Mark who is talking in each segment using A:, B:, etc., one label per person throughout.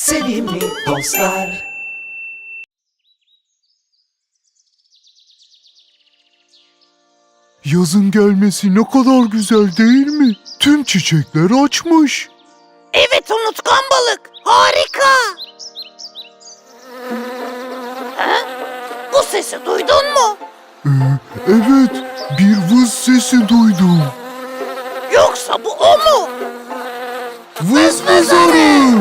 A: Sevimli dostlar.
B: Yazın gelmesi ne kadar güzel değil mi? Tüm çiçekler açmış.
C: Evet unutkan balık, harika. Ha? Bu sesi duydun mu?
B: Evet, bir vız sesi duydum.
C: Yoksa bu o mu?
B: Vız vız arı.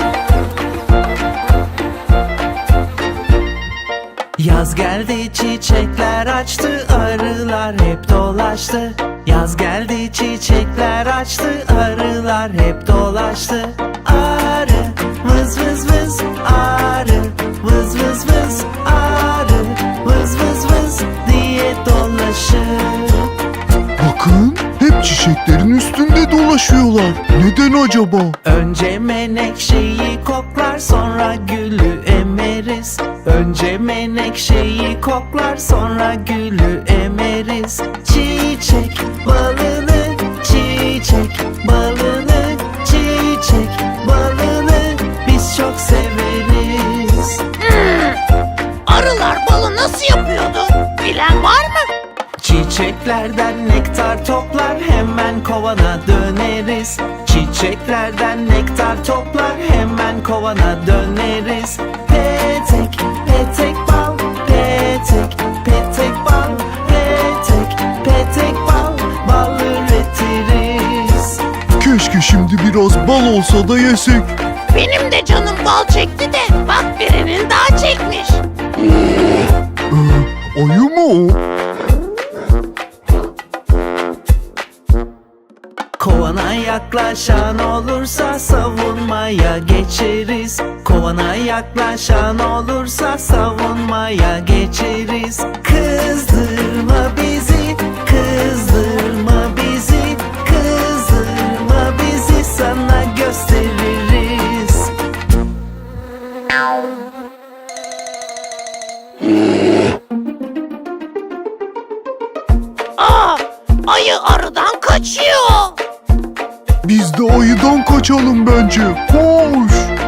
A: Yaz geldi, çiçekler açtı, arılar hep dolaştı. Yaz geldi, çiçekler açtı, arılar hep dolaştı. Arı vız vız vız, arı vız vız vız, arı vız vız vız diye dolaşır.
B: Bakın, hep çiçeklerin üstünde dolaşıyorlar. Neden acaba?
A: Önce menekşeyi koklar, sonra gülü emeriz. Önce menekşeyi koklar, sonra gülü emeriz. Çiçek balını, çiçek balını, çiçek balını biz çok severiz.
C: Arılar balı nasıl yapıyordu? Bilen var mı?
A: Çiçeklerden nektar toplar, hemen kovana döneriz. Çiçeklerden nektar toplar, hemen kovana döneriz. Petek, petek bal, petek, petek bal, petek, petek bal, bal üretiriz.
B: Keşke şimdi biraz bal olsa da yesek.
C: Benim de canım bal çekti de bak birinin daha çekmiş.
B: Ayı mı o?
A: Kovana yaklaşan olursa savunmaya geçeriz. Kovana yaklaşan olursa savunmaya geçeriz. Kızdırma bizi, kızdırma bizi, kızdırma bizi sana gösteririz.
C: Aa, ayı arıdan kaçıyor.
B: Biz de ayıdan kaçalım bence. Koş!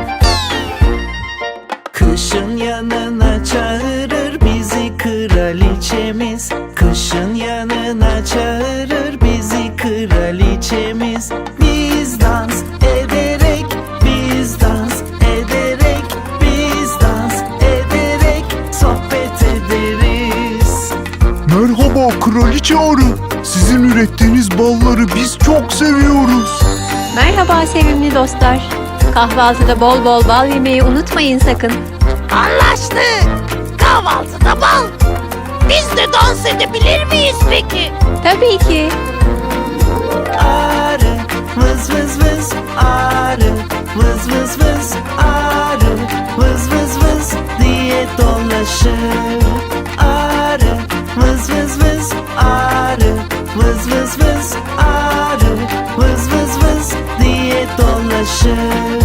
A: Kışın yanına çağırır bizi kraliçemiz. Kışın yanına çağırır bizi kraliçemiz. Biz dans ederek, biz dans ederek, biz dans ederek sohbet ederiz.
B: Merhaba kraliçe arı. Sizin ürettiğiniz balları biz çok seviyoruz.
D: Merhaba sevimli dostlar. Kahvaltıda bol bol bal yemeyi unutmayın sakın.
C: Anlaştık. Kahvaltıda bal. Biz de dans edebilir miyiz peki?
D: Tabii ki.
A: Arı vız vız vız, arı vız vız vız, arı vız vız vız diye dolaşır. Arı vız vız vız, arı vız vız vız, arı vız vız vız diye dolaşır.